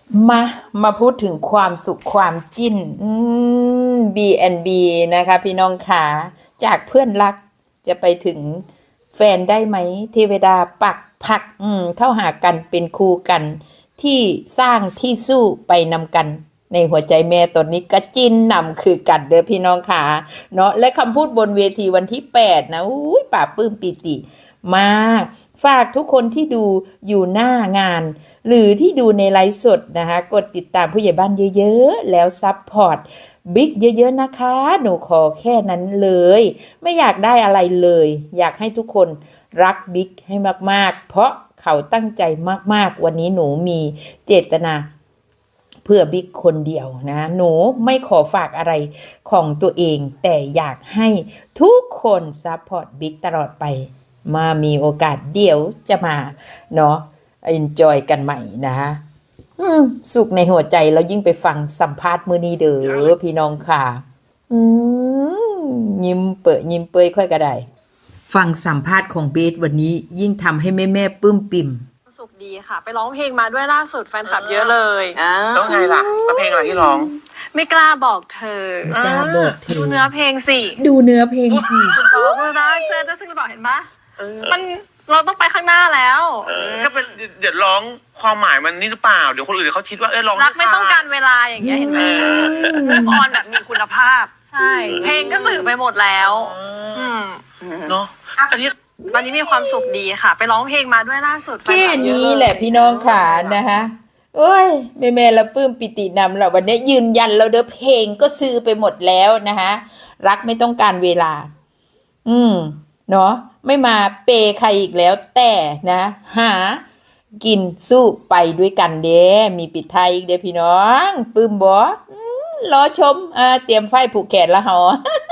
มามาพูดถึงความสุขความจิ้นB&B นะคะพี่น้องขาจากเพื่อนรักจะไปถึงแฟนได้ไหมเทวดาปักผักเข้าหากันเป็นคู่กันที่สร้างที่สู้ไปนำกันในหัวใจแม่ตอนนี้ก็จิ้นนำคือกันเด้อพี่น้องขาเนาะและคำพูดบนเวทีวันที่8นะอุ้ยป่าปลื้มปิติมากฝากทุกคนที่ดูอยู่หน้างานหรือที่ดูในไลฟ์สดนะคะกดติดตามผู้ใหญ่บ้านเยอะๆแล้วซัพพอร์ตบิ๊กเยอะๆนะคะหนูขอแค่นั้นเลยไม่อยากได้อะไรเลยอยากให้ทุกคนรักบิ๊กให้มากๆเพราะเขาตั้งใจมากๆวันนี้หนูมีเจตนาเพื่อบิ๊กคนเดียวนะหนูไม่ขอฝากอะไรของตัวเองแต่อยากให้ทุกคนซัพพอร์ตบิ๊กตลอดไปมามีโอกาสเดี๋ยวจะมาเนาะenjoy กันใหม่นะคะสุขในหัวใจแล้วยิ่งไปฟังสัมภาษณ์มื้อนี้เด้อพี่น้องค่ะยิ้มเปยค่อยก็ได้ฟังสัมภาษณ์ของเบสวันนี้ยิ่งทำให้แม่ปลื้มปิ่มสุขดีค่ะไปร้องเพลงมาด้วยล่าสุดแฟนคลับเยอะเลยแล้วไงล่ะแล้วเพลงอะไรที่ร้องไม่กล้าบอกเธอไม่กล้าบอกเธอดูเนื้อเพลงสิดูเนื้อเพลงสิสุดบอกว่ารักเธอจะซึ่งบอกเห็นปะมันเราต้องไปข้างหน้าแล้วก็เป็นเดี๋ยวร้องความหมายมันนี่หรือเปล่าเดี๋ยวคนอื่นเขาคิดว่าร้องรักไม่ต้องการเวลาอย่างเงี้ยเห็นไหมออนแบบมีคุณภาพใช่เพลงก็สื่อไปหมดแล้วเนาะอันนี้ตอนนี้มีความสุขดีค่ะ ไปร้องเพลงมาด้วยล่าสุดแค่นี้แหละพี่น้องค่ะนะคะโอ้ยแม่ละปลื้มปิตินำเราวันนี้ยืนยันเราเด้อเพลงก็ซื้อไปหมดแล้วนะคะรักไม่ต้องการเวลาเนาะไม่มาเปใครอีกแล้วแต่นะหากินสู้ไปด้วยกันเด้มีปิดไทยอีกเด้พี่น้องปลื้มบ่รอชมเตรียมไฟผูกแขนละหอ